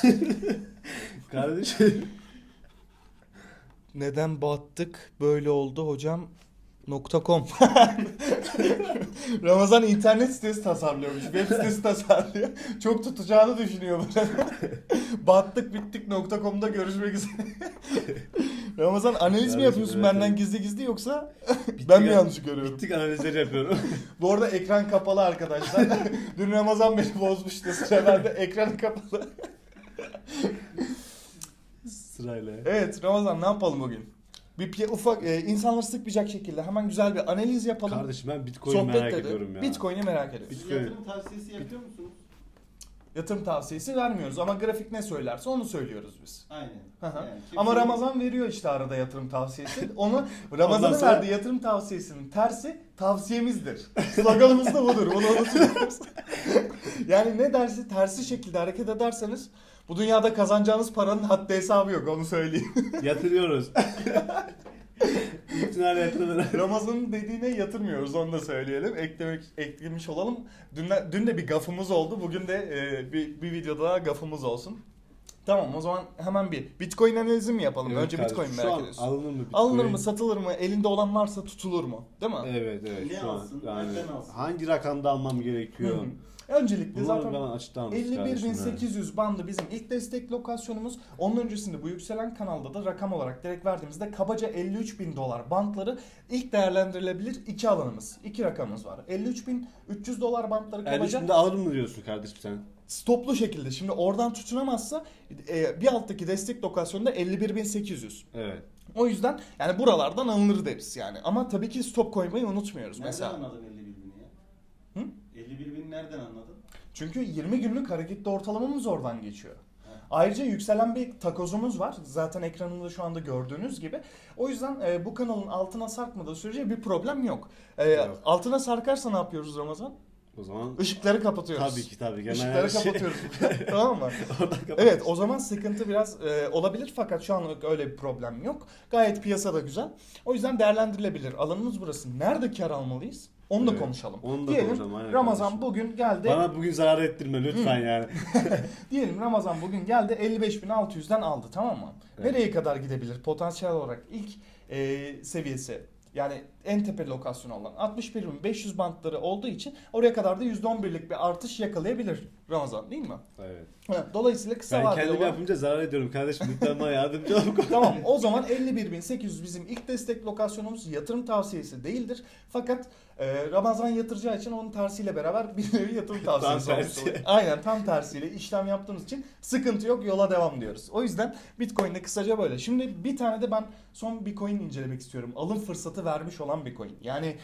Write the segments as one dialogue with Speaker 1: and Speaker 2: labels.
Speaker 1: Kardeşim.
Speaker 2: Neden battık böyle oldu hocam .com. Ramazan internet sitesi tasarlıyormuş. Web sitesi tasarlıyor. Çok tutacağını düşünüyor böyle. Battık bittik .com'da görüşmek üzere. Ramazan analiz mi yapıyorsun
Speaker 1: evet,
Speaker 2: benden
Speaker 1: evet.
Speaker 2: gizli gizli yoksa ben mi yanlış görüyorum?
Speaker 1: Bittik analizleri yapıyorum.
Speaker 2: Bu arada ekran kapalı arkadaşlar. Dün Ramazan beni bozmuştu. Sıra bende ekran kapalı.
Speaker 1: Sırayla.
Speaker 2: Evet Ramazan ne yapalım bugün? Ufak insanları sıkmayacak şekilde hemen güzel bir analiz yapalım.
Speaker 1: Kardeşim ben Bitcoin'i merak ediyorum ya.
Speaker 2: Bitcoin'i merak ediyoruz.
Speaker 1: Bitcoin.
Speaker 3: Yatırım tavsiyesi yapıyor musunuz?
Speaker 2: Yatırım tavsiyesi vermiyoruz ama grafik ne söylerse onu söylüyoruz biz.
Speaker 3: Aynen.
Speaker 2: Hı hı.
Speaker 3: Yani
Speaker 2: Ama
Speaker 3: kimse-
Speaker 2: Ramazan veriyor işte arada yatırım tavsiyesi. Onu
Speaker 1: Ondan
Speaker 2: Ramazan'ın
Speaker 1: sonra-
Speaker 2: verdiği yatırım tavsiyesinin tersi tavsiyemizdir. Sloganımız da budur. Bunu unutmuyoruz. Yani ne dersi tersi şekilde hareket ederseniz bu dünyada kazanacağınız paranın haddi hesabı yok onu söyleyeyim.
Speaker 1: Yatırıyoruz. İktinal yatırımları.
Speaker 2: Ramazan'ın dediğine yatırmıyoruz onu da söyleyelim. Eklemiş olalım. Dün de bir gafımız oldu. Bugün de bir videoda daha gafımız olsun. Tamam o zaman hemen bir Bitcoin analizi mi yapalım?
Speaker 1: Evet
Speaker 2: Önce
Speaker 1: kardeşim,
Speaker 2: Bitcoin
Speaker 1: şu
Speaker 2: merak
Speaker 1: an
Speaker 2: ediyorsun.
Speaker 1: alınır mı Bitcoin?
Speaker 2: Alınır mı, satılır mı, elinde olan varsa tutulur mu? Değil mi?
Speaker 1: Evet
Speaker 3: Ne
Speaker 1: şu an.
Speaker 3: alsın,
Speaker 1: Yani
Speaker 3: nereden alsın?
Speaker 1: hangi rakamda almam gerekiyor?
Speaker 2: Hı hı. Öncelikle
Speaker 1: Bunları
Speaker 2: zaten
Speaker 1: bana açıklar mısın kardeşim?
Speaker 2: 51.800 bandı bizim ilk destek lokasyonumuz. Onun öncesinde bu yükselen kanalda da rakam olarak direkt verdiğimizde kabaca 53.000 dolar bantları ilk değerlendirilebilir iki alanımız. İki rakamımız var. 53.300 dolar bantları
Speaker 1: Yani
Speaker 2: kabaca
Speaker 1: şimdi alır mı diyorsun kardeşim sen?
Speaker 2: stoplu şekilde. Şimdi oradan tutunamazsa bir alttaki destek lokasyonunda 51.800.
Speaker 1: Evet.
Speaker 2: O yüzden yani buralardan alınır deriz yani. Ama tabii ki stop koymayı unutmuyoruz
Speaker 3: Nereden
Speaker 2: mesela.
Speaker 3: anladın 51 bini ya?
Speaker 2: Hı?
Speaker 3: 51 bin nereden anladın?
Speaker 2: Çünkü 20 günlük hareketli ortalamamız oradan geçiyor.
Speaker 3: Evet.
Speaker 2: Ayrıca yükselen bir takozumuz var. Zaten ekranında şu anda gördüğünüz gibi. O yüzden bu kanalın altına sarkmadığı sürece bir problem yok.
Speaker 1: Yok.
Speaker 2: Altına sarkarsa ne yapıyoruz Ramazan?
Speaker 1: O zaman
Speaker 2: Işıkları kapatıyoruz.
Speaker 1: tabii ki.
Speaker 2: Işıkları kapatıyoruz. Tamam mı?
Speaker 1: Oradan kapat.
Speaker 2: Evet o zaman sıkıntı biraz olabilir fakat şu anlık öyle bir problem yok. Gayet piyasa da güzel. O yüzden değerlendirilebilir. Alanımız burası. Nerede kar almalıyız? Onu da
Speaker 1: Evet,
Speaker 2: konuşalım.
Speaker 1: onu da
Speaker 2: Diyelim
Speaker 1: konuşalım, aynen
Speaker 2: Ramazan
Speaker 1: kardeşim.
Speaker 2: bugün geldi.
Speaker 1: Bana bugün zarar ettirme lütfen yani.
Speaker 2: Diyelim Ramazan bugün geldi 55.600'den aldı tamam mı?
Speaker 1: Evet.
Speaker 2: Nereye kadar gidebilir potansiyel olarak ilk seviyesi? Yani en tepe lokasyonu olan 61.500 bantları olduğu için oraya kadar da %11'lik bir artış yakalayabilir Ramazan değil mi?
Speaker 1: Evet.
Speaker 2: Evet, dolayısıyla kısa
Speaker 1: Ben
Speaker 2: vadeli
Speaker 1: kendim
Speaker 2: olan...
Speaker 1: yapınca zarar ediyorum kardeşim. Lütfen bana yardımcı ol.
Speaker 2: Tamam o zaman 51.800 bizim ilk destek lokasyonumuz yatırım tavsiyesi değildir. Fakat Ramazan yatıracağı için onun tersiyle beraber bir nevi yatırım tavsiyesi
Speaker 1: Tam
Speaker 2: olmuş
Speaker 1: tersi.
Speaker 2: oluyor. Aynen tam tersiyle işlem yaptığımız için sıkıntı yok yola devam diyoruz. O yüzden Bitcoin'de kısaca böyle. Şimdi bir tane de ben son bir coin incelemek istiyorum. Alım fırsatı vermiş olan bir coin. Yani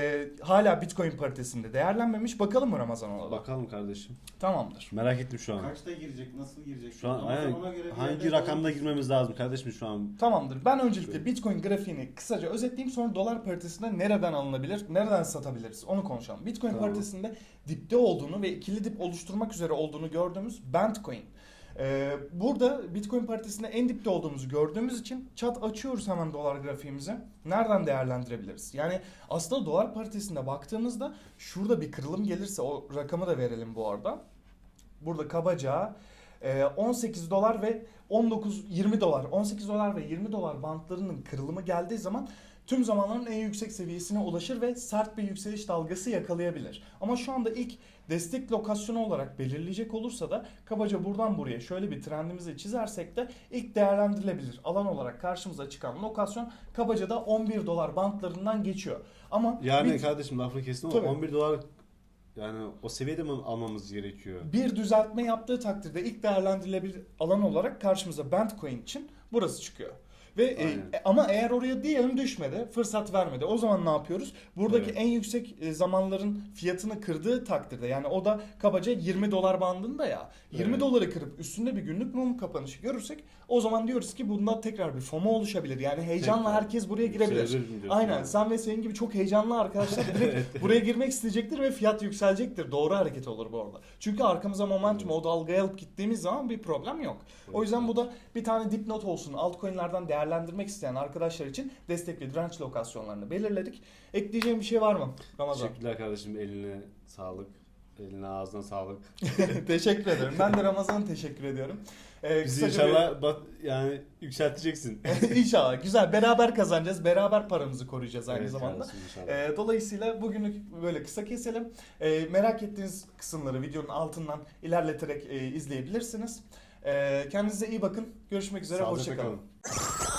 Speaker 2: hala Bitcoin paritesinde değerlenmemiş. Bakalım mı Ramazan ona da?
Speaker 1: Bakalım kardeşim.
Speaker 2: Tamamdır.
Speaker 1: Merak ettim şu an.
Speaker 3: Kaçta girecek, nasıl girecek?
Speaker 1: Şu an
Speaker 3: Ama
Speaker 1: aynen,
Speaker 3: ona göre bir
Speaker 1: hangi
Speaker 3: yerde
Speaker 1: rakamda
Speaker 3: alalım.
Speaker 1: girmemiz lazım kardeşim şu an?
Speaker 2: Tamamdır. Ben öncelikle Bitcoin grafiğini kısaca özetleyeyim sonra dolar paritesinde nereden alınabilir, nereden satabiliriz onu konuşalım. Bitcoin
Speaker 1: Tamam.
Speaker 2: paritesinde dipte olduğunu ve ikili dip oluşturmak üzere olduğunu gördüğümüz Bandcoin. Burada Bitcoin paritesinde en dipte olduğumuzu gördüğümüz için çat açıyoruz hemen dolar grafiğimizi. Nereden değerlendirebiliriz? Yani aslında dolar paritesinde baktığımızda şurada bir kırılım gelirse o rakamı da verelim bu arada. Burada kabaca 18 dolar ve 20 dolar 18 dolar ve 20 dolar bantlarının kırılımı geldiği zaman tüm zamanların en yüksek seviyesine ulaşır ve sert bir yükseliş dalgası yakalayabilir. Ama şu anda ilk destek lokasyonu olarak belirleyecek olursa da kabaca buradan buraya şöyle bir trendimizi çizersek de ilk değerlendirilebilir alan olarak karşımıza çıkan lokasyon kabaca da 11 dolar bantlarından geçiyor. Ama
Speaker 1: Yani kardeşim lafını kestim ama
Speaker 2: Tabii.
Speaker 1: 11 dolar yani o seviyede mi almamız gerekiyor?
Speaker 2: bir düzeltme yaptığı takdirde ilk değerlendirilebilir alan olarak karşımıza Bandcoin için burası çıkıyor. Ve
Speaker 1: Aynen.
Speaker 2: ama eğer oraya diyelim düşmedi, fırsat vermedi. O zaman ne yapıyoruz? Buradaki
Speaker 1: Evet.
Speaker 2: en yüksek zamanların fiyatını kırdığı takdirde yani o da kabaca 20 dolar bandında ya. 20
Speaker 1: Evet.
Speaker 2: doları kırıp üstünde bir günlük mum kapanışı görürsek o zaman diyoruz ki bunda tekrar bir FOMO oluşabilir. Yani heyecanla
Speaker 1: Tekrar.
Speaker 2: herkes buraya girebilir.
Speaker 1: Yükselebilir mi diyorsun
Speaker 2: Aynen.
Speaker 1: yani?
Speaker 2: Sen ve senin gibi çok heyecanlı arkadaşlar direkt buraya girmek isteyecektir ve fiyat yükselecektir. Doğru hareket olur bu arada. Çünkü arkamıza momentum o dalgayı alıp gittiğimiz zaman bir problem yok. O yüzden bu da bir tane dipnot olsun. Altcoin'lerden değerlendirmek isteyen arkadaşlar için destek ve direnç lokasyonlarını belirledik. Ekleyeceğim bir şey var mı Ramazan?
Speaker 1: Teşekkürler kardeşim, eline sağlık. Eline ağzına sağlık.
Speaker 2: Teşekkür ederim. Ben de Ramazan'a teşekkür ediyorum.
Speaker 1: Bizi
Speaker 2: Kısaca
Speaker 1: inşallah yani yükselteceksin.
Speaker 2: İnşallah. Güzel. Beraber kazanacağız. Beraber paramızı koruyacağız aynı
Speaker 1: Evet
Speaker 2: zamanda.
Speaker 1: kardeşim, inşallah.
Speaker 2: Dolayısıyla bugünlük böyle kısa keselim. Merak ettiğiniz kısımları videonun altından ilerleterek izleyebilirsiniz. Kendinize iyi bakın. Görüşmek üzere.
Speaker 1: Sağlıcakla
Speaker 2: Hoşçakalın.
Speaker 1: kalın.